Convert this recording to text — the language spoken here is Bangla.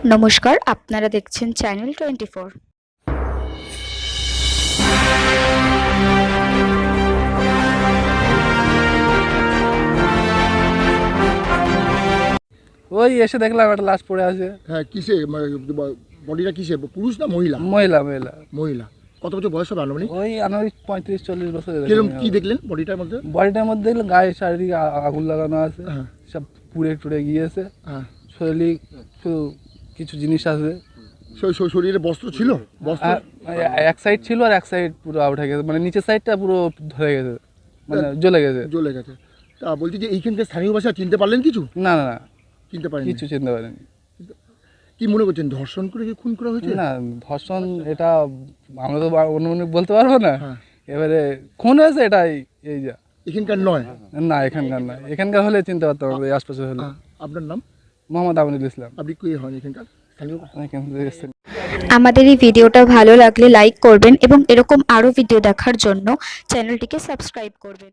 নমস্কার, আপনারা দেখছেন চ্যানেল 24। ওই এসে দেখলাম একটা লাশ পড়ে আছে। হ্যাঁ, কিসে বডিটা কিসে, পুরুষ না মহিলা? মহিলা মহিলা মহিলা। কত বছর বয়স হবে আনুমানিক? ওই আনুমানিক 35-40 বছর। কিরকম কি দেখলেন বডিটার মধ্যে? বডিটার মধ্যে দেখলাম গায়ে চারিদিকে আগুন লাগানো আছে, হ্যাঁ সব পুড়ে টুড়ে গিয়েছে। হ্যাঁ, শরীরে শুধু কিছু জিনিস আছে। শরীরে বস্ত্র ছিল? বস্ত্র এক সাইড ছিল আর এক সাইড পুরো আউট হয়ে গেছে, মানে নিচের সাইডটা পুরো ধরে গেছে, মানে জ্বলে গেছে। জ্বলে গেছে। তা বলছি যে এইখানকার স্থানীয় ভাষা চিনতে পারলেন কিছু? না না না, চিনতে পারেন কিছু চিনতে পারেনি। কি মনে করছেন, ধর্ষণ করে কি খুন করা হয়েছে? না, ধর্ষণ এটা আমরা তো অনুমানিক বলতে পারবো না। হ্যাঁ, এবারে খুন হয়েছে এটাই, এই যা। এখানকার নয়? না, এখানকার না, এখানকার হলে চিনতে পারতাম আমরা, এই আশপাশে হলে। আপনার নাম? মোহাম্মদ আমিনুল ইসলাম। আপনি কি হন এখানকার স্থানীয়? এখান থেকে এসেছেন। আমাদের এই ভিডিওটা ভালো লাগলে লাইক করবেন এবং এরকম আরও ভিডিও দেখার জন্য চ্যানেলটিকে সাবস্ক্রাইব করবেন।